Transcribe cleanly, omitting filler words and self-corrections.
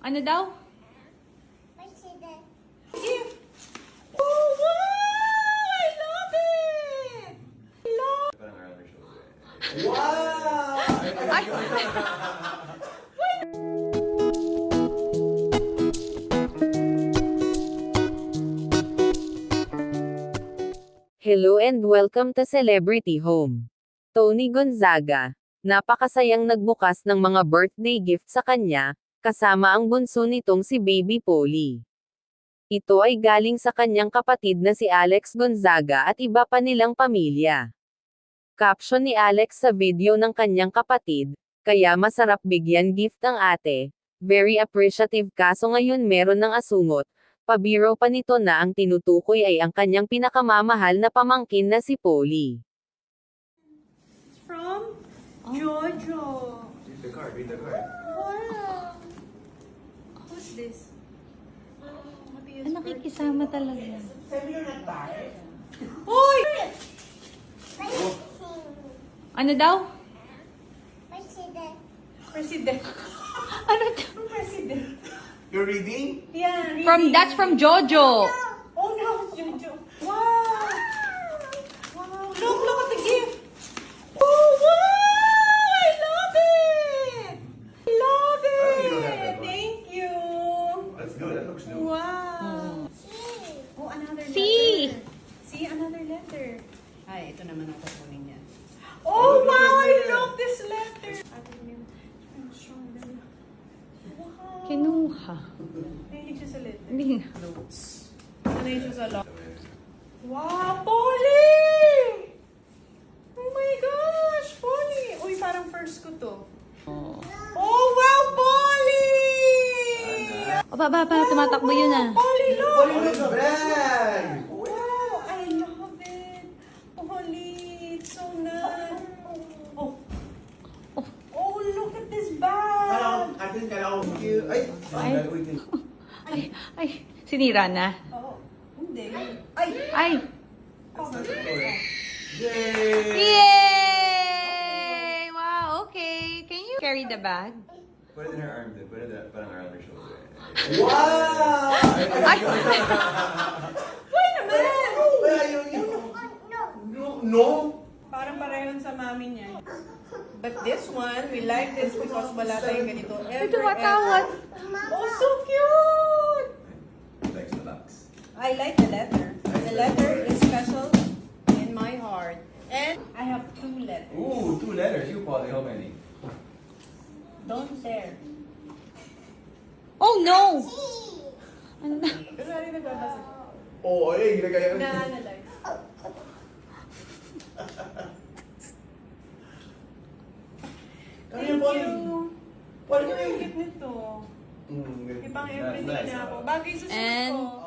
Ano daw? President. Gift! Oh, wow! I love it! I love Parang around her shoulder. Wow! Hello and welcome to Celebrity Home. Tony Gonzaga, napakasayang nagbukas ng mga birthday gift sa kanya, kasama ang bunso nitong si Baby Polly. Ito ay galing sa kanyang kapatid na si Alex Gonzaga at iba pa nilang pamilya. Caption ni Alex sa video ng kanyang kapatid, "Kaya masarap bigyan gift ang ate. Very appreciative kaso ngayon meron ng asungot." Pabiro pa nito na ang tinutukoy ay ang kanyang pinakamamahal na pamangkin na si Polly. From Jojo. Read the card, read the card. Wow. Who's this? Nakikisama talaga. Sabi nyo nag-bar? Uy! Ano daw? President. President. Ano daw? President. You're reading? Yeah, reading. That's from Jojo. Oh no, Jojo. Wow. Wow. Look at the gift. Oh wow! I love it. I love Parang you don't have it. that one. Thank you. That's good, that looks new. Wow. Oh, another C. letter. See, another letter. Ay, ito naman ang kukunin niya. Oh, wow! I love this letter. Wow. Kinuha. Nahilig siya sa letter. Hindi. Notes. Nahilig siya sa lot. Wow, Polly! Oh my gosh, Polly! Uy, parang first ko to. Oh, wow, Polly! O, baba, tumatakbo yun ah. Polly, look! Pulling the bag! Wow, I love it. Polly, it's so nice. Oh. Oh, look at this bag. Kala ko cute. Ay! Ay, sinira na. Oh, hindi. Ay! Ay! That's not the toy. Yay! Yay! Wow, okay. Can you carry the bag? Put it in her arm, then. Put it parang around her shoulder. Wow! Why naman? Where are you? No? Parang parehon sa mami niya. But this one, we like this because wala tayong ganito. Ay, tumatawad. Oh, so cute! Thanks the box. I like the letter. The letter is special in my heart. And I have 2 letters. Ooh, 2 letters. You, Polly, how many? Don't dare. Oh, no! Ano na? Pero ano nagbabasa? Oo, ay, ginagaya ko. Na-analyze. Kaya Polly. Polly, ang cute nito. Mm, Ibang That's everything nice, na ako. ah. Bagay sa suit And- ko.